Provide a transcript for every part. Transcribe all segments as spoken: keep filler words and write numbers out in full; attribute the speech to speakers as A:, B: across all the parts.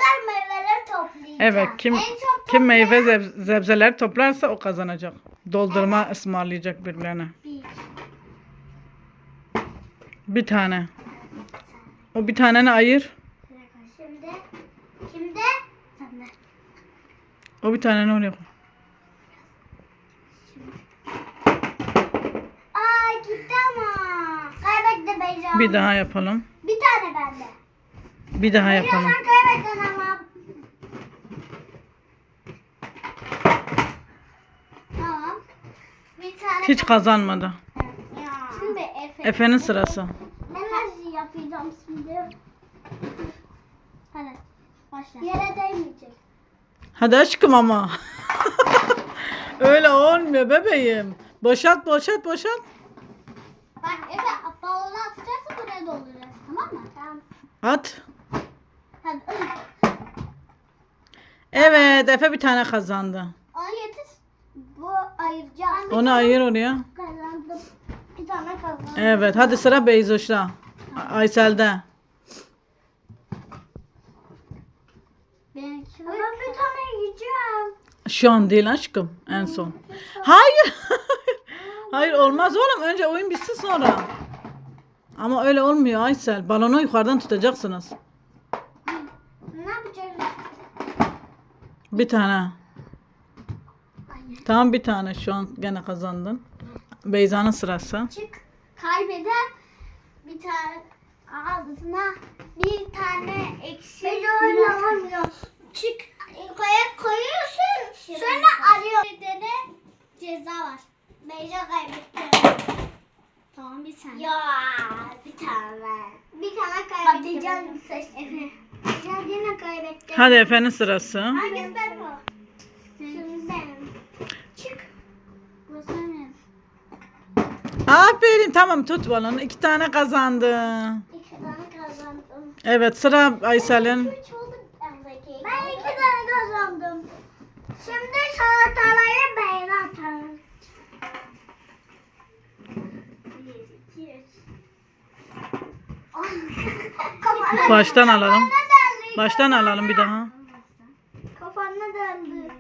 A: kadar meyveleri toplayacağım.
B: Evet, kim
A: En çok
B: kim meyve
A: toplayan
B: zeb- sebzeler toplarsa o kazanacak. Doldurma ısmarlayacak birilerine.
A: bir.
B: Bir tane. O bir taneni ayır.
A: Şimdi kimde? Sende.
B: O bir taneni oraya koy.
A: Aa gitti ama. Kaybetti Beyza.
B: Bir daha yapalım.
A: Bir tane bende.
B: Bir daha
A: Beyza
B: yapalım.
A: sen kaybettin ama. Tamam. Bir tane.
B: Hiç kazanmadı.
A: Ya. Şimdi Efe.
B: Efe'nin sırası.
A: Ben her şeyi yapacağım şimdi. Hadi başla. Yere değmeyecek.
B: Hadi aşkım ama. Öyle olmuyor bebeğim. Boşalt boşalt boşalt.
A: Bak Efe balonu atacaksın buraya dolduracağız. Tamam mı? Tamam.
B: At.
A: Hadi.
B: Evet, Efe bir tane kazandı.
A: Onu getir. Bu ayıracağız.
B: Onu ayır oraya.
A: Kazandım. Bir tane kazandım.
B: Evet, hadi sıra Beyzoş'ta. Aysel'de.
A: Benimki ama bir tane yiyeceğim.
B: Şu an değil aşkım, en son. Hayır. Hayır olmaz oğlum. Önce oyun bitsin sonra. Ama öyle olmuyor Aysel. Balonu yukarıdan tutacaksınız.
A: Ne yapacağız?
B: Bir tane. Tamam bir tane şu an gene kazandın. Beyza'nın sırası.
A: Çık. Kaybeden bir tane ağzına bir tane ekşi. Ben oynamıyor. Çık. Koya koyuyorsun. Sonra arıyor. Bir de ceza var. Beyza kaybetti. Tamam bir tane. Ya bir tane. Bir tane kaybetti. Patlıcan seçti. Efe. Patlıcan yine kaybetti.
B: Hadi Efe'nin sırası.
A: Hangisi benim o? Şimdi benim. Çık. Bu senin.
B: Aferin tamam tut balonu. İki tane kazandı.
A: İki tane kazandım.
B: Evet sıra Aysel'in.
A: Üç oldu bendeki. Ben iki tane kazandım. Şimdi salataları beğeni atarım. Bir, iki, üç. Kafana-
B: Baştan alalım.
A: Kafana döndü.
B: Baştan alalım bir daha.
A: Kafana döndü.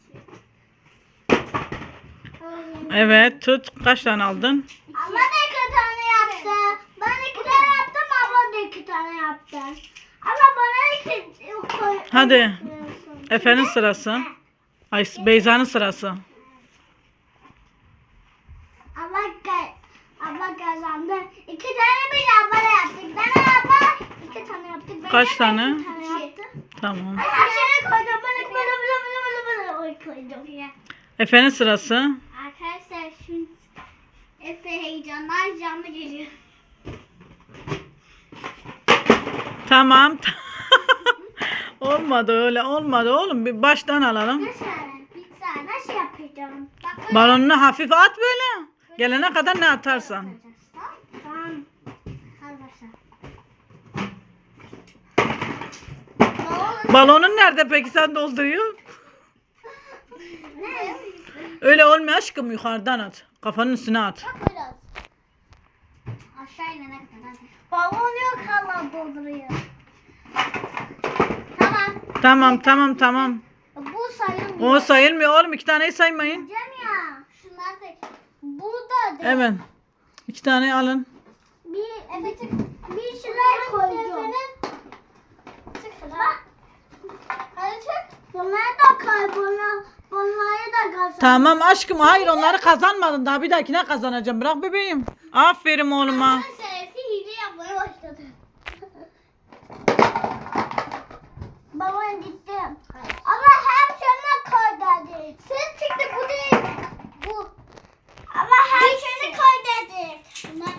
B: Evet tut. Kaç tane aldın?
A: Abla da iki tane yaptı. Ben iki tane yaptım, abla da iki tane yaptı. Abla bana iki koy.
B: Hadi. Efe'nin sırası. Ay Beyza'nın sırası.
A: Abla, ka- abla kazandı. İki tane biz abla yaptık. Ben abla iki tane yaptık. Ben
B: Kaç
A: de
B: tane?
A: iki tane yaptım.
B: Tamam.
A: Aşağıya koydum. Böyle böyle böyle böyle böyle böyle koydum. Ya.
B: Efe'nin sırası.
A: Arkadaşlar şimdi Efe heyecanlar canlı geliyor.
B: Tamam. Olmadı öyle olmadı oğlum. Bir baştan alalım.
A: Nasıl? Bir tane nasıl yapacağım? Bak,
B: Balonunu hafif at böyle. Gelene kadar ne atarsan.
A: Tamam. Hadi başla.
B: Balonun nerede peki sen dolduruyor?
A: Ne?
B: Öyle olmuyor aşkım yukarıdan at. Kafanın üstüne at.
A: Bak biraz. Aşağı inene kadar. Balon yok hala dolduruyor. Tamam.
B: Tamam tamam tamam.
A: Bu sayılmıyor.
B: O sayılmıyor oğlum. İki taneyi saymayın.
A: Diyeceğim ya. Şunlar da. Bu da değil.
B: Evet. İki tane alın.
A: Bir evet bir şeyler koydum. Çık bak. Hadi çık. Bunları da kaybına. Bunları da kazan.
B: Tamam aşkım hayır onları kazanmadın. Daha bir dahakine kazanacağım. Bırak bebeğim. Aferin oğluma.
A: Şerefi hile yapmaya başladı. Babam gitti. Ama hep sana koy dedi. Ses çıktı bu değil. Bu. Ama hep seni koy dedi. Bunlar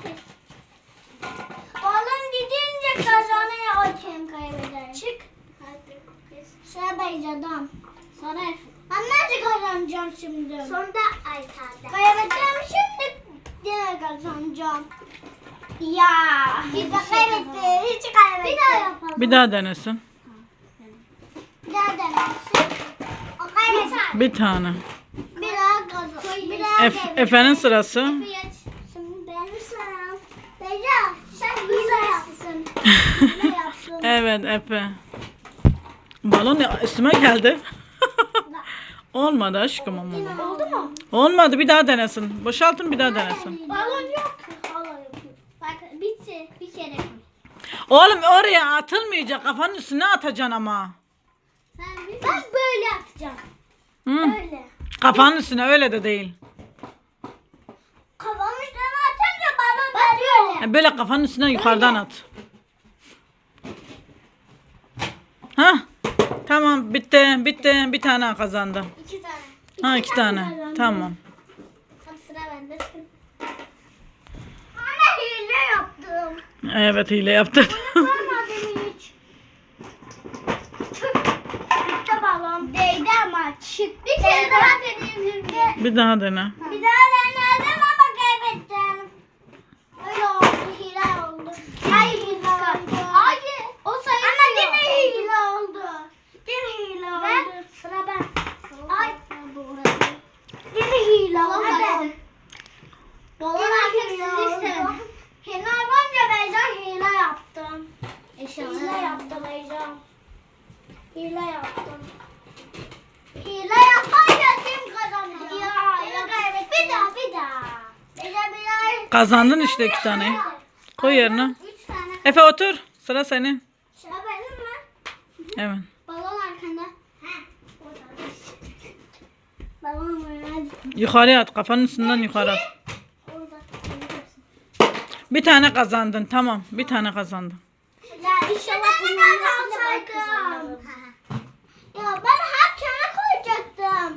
A: balon gidince kazanıyor o kim kaybeder. Çık. Hadi. Sıra Beyza'dan. Sonra ben nasıl kazanacağım şimdi? Sonunda Aysel'de. Kaybedeceğim şimdi yine kazanacağım. Ya. Hiç kaybetti. Hiç kaybetti. Bir daha yapalım.
B: Bir daha denesin.
A: Bir daha denersin. O kaybetti.
B: Bir tane.
A: Bir daha kazan. Bir daha
B: Ef Efe'nin sırası.
A: Şimdi benim sıram. Beyza sen hile yapsın. Hile yapsın.
B: Evet Efe. Balon ya- üstüme geldi. Olmadı aşkım ama.
A: Oldu mu?
B: Olmadı, bir daha denesin. Boşaltın, bir daha denesin.
A: Balon yok. Hala yapıyor. Bak bitti. Bir kere koy.
B: Oğlum oraya atılmayacak. Kafanın üstüne atacaksın ama.
A: Sen bir ben böyle atacağım.
B: Hı.
A: Böyle.
B: Kafanın üstüne, öyle de değil.
A: Kafamın üstüne atınca balon bak böyle.
B: Ha, böyle kafanın üstüne yukarıdan at. Ha? Tamam, bitti. Bitti. Bir tane kazandı.
A: İki tane.
B: Ha, iki tane.
A: kazandım.
B: Tamam.
A: Hadi sıra bende. Anne hile yaptım.
B: Evet, hile yaptın.
A: Yapamadım hiç. Çıktı balon. Değdi ama çıktı. Bir kere daha deneyeyim şimdi.
B: Bir daha dene.
A: Bir daha denedim ama kaybettim. Öyle oldu, hile oldu. Hayır, hile oldu. Hayır, o sayılmıyor. Ama yine hile oldu. Yine hile oldu. Ve sıra ben. Ay. Yine hile oldu. Hadi. Balon artık siz istedim. Hile olunca Beyza hile yaptım. Hile yaptım Beyza. Hile yaptım. Hile yapınca kim kazandı? Ya, ya kaybettim. Bir daha, bir daha. Beyza bir daha.
B: Kazandın işte iki tane. Koy yerine.
A: Üç tane.
B: Efe otur. Sıra senin.
A: Sıra benim mi?
B: Evet.
A: Balon arkanda. He. Balon var.
B: Yukarıya at. Kafanın üstünden yukarı at.
A: Orada.
B: Bir tane kazandın. Tamam. Bir tane kazandın.
A: Ya inşallah bundan kalsaydım. Ya ben hep sana koyacaktım.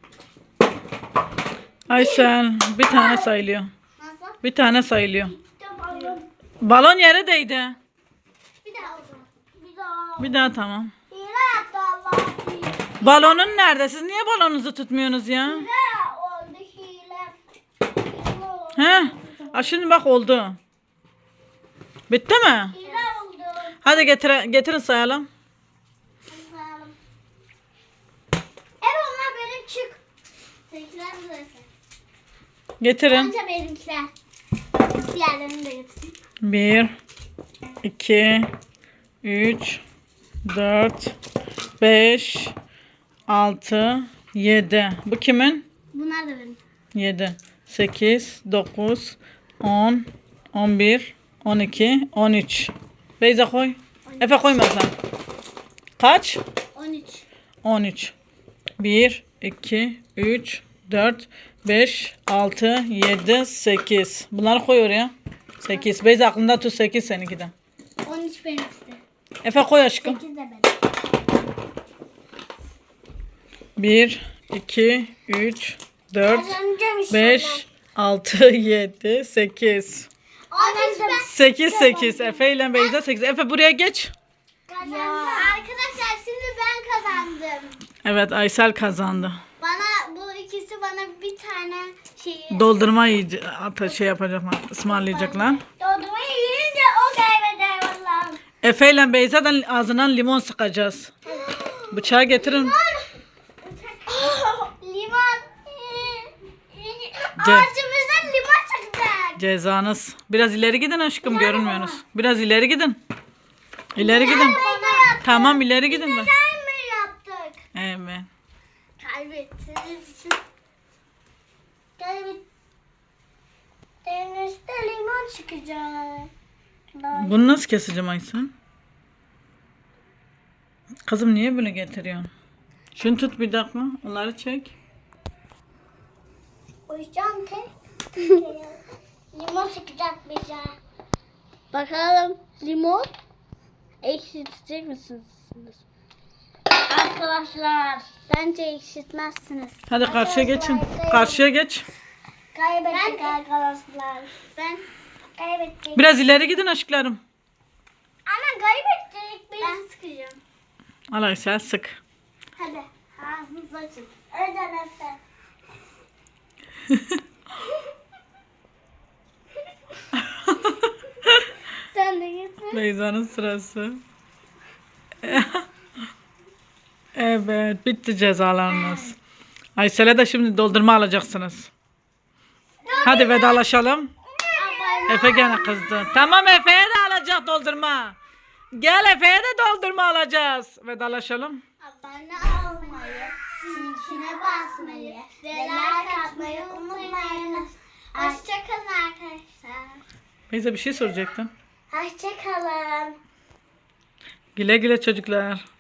B: Aysel, bir tane sayılıyor.
A: Nasıl?
B: Bir tane sayılıyor.
A: Balon.
B: Balon yere değdi.
A: Bir daha oldu. Bir daha.
B: Bir daha tamam.
A: Hile yaptı Allah.
B: Balonun nerede? Siz niye balonunuzu tutmuyorsunuz ya?
A: Hile oldu hile. Hile oldu.
B: He? Aa, şimdi bak oldu. Bitti mi?
A: Hile oldu.
B: Hadi getir, getirin sayalım.
A: Hadi sayalım. Evet onlar benim çık. Seninkiler burası.
B: Getirin.
A: Önce benimkiler. Diğerlerini de getireyim.
B: Bir, iki, üç, dört, beş, altı, yedi. Bu kimin?
A: Bunlar da benim.
B: yedi, sekiz, dokuz, on, on bir, on iki, on üç. Beyza koy. Efe koyma sen. Kaç?
A: on üç.
B: on üç. bir, iki, üç, dört, beş, altı, yedi, sekiz. Bunları koy oraya. sekiz. Beyza aklında tut, sekiz seninki de.
A: on üç benimkisi.
B: Efe koy aşkım.
A: sekiz de benim.
B: bir, iki, üç, dört,
A: Kazanacağım inşallah.
B: beş, altı, yedi, sekiz.
A: on üç ben.
B: sekiz, sekiz. Efe ile Beyza sekiz. Efe buraya geç.
A: Kazandım. Arkadaşlar şimdi ben kazandım.
B: Evet, Aysel kazandı.
A: Bana bu ikisi bana bir tane şeyi
B: Doldurma yiyici, ata şey yapacaklar, ısmarlayacaklar.
A: dondurmayı yiyince o kaybeder vallahi.
B: Efe ile Beyza'dan ağzından limon sıkacağız. Bıçağı getirin.
A: Limon.
B: Ce-
A: Ağacımızdan limon çıkacak.
B: Cezanız. Biraz ileri gidin aşkım, görünmüyorsunuz. Biraz ileri gidin. İleri gidin. Tamam, ileri gidin mi?
A: Güzel mi yaptık?
B: Evet.
A: Kaybettiniz için. Kaybettiğinizde limon çıkacak.
B: Bunu nasıl keseceğim Aysel? Kızım niye böyle getiriyorsun? Şunu tut bir dakika. Onları çek.
A: Koyacağım tek. Limon çıkacak bize. Bakalım limon ekşitecek misiniz? Arkadaşlar bence ekşitmezsiniz.
B: Hadi karşıya geçin. Karşıya geç.
A: Kaybettik arkadaşlar. Ben kaybettik.
B: Biraz ileri gidin aşklarım.
A: Ama kaybettik. Ben sıkacağım.
B: Al Aysel, sık.
A: Hadi ağzınızı açın. Öden Efe. Sen de getir.
B: Beyza'nın sırası. Evet, bitti cezalarınız. Aysel'e de şimdi doldurma alacaksınız. Hadi vedalaşalım. Efe gene kızdı. Tamam, Efe'ye de alacak doldurma. Gel Efe'ye de doldurma alacağız. Vedalaşalım.
A: Abone olmayı, zincirine basmayı ve like atmayı unutmayınız. Hoşçakalın arkadaşlar.
B: Beyza bir şey soracaktın.
A: Hoşçakalın.
B: Güle güle çocuklar.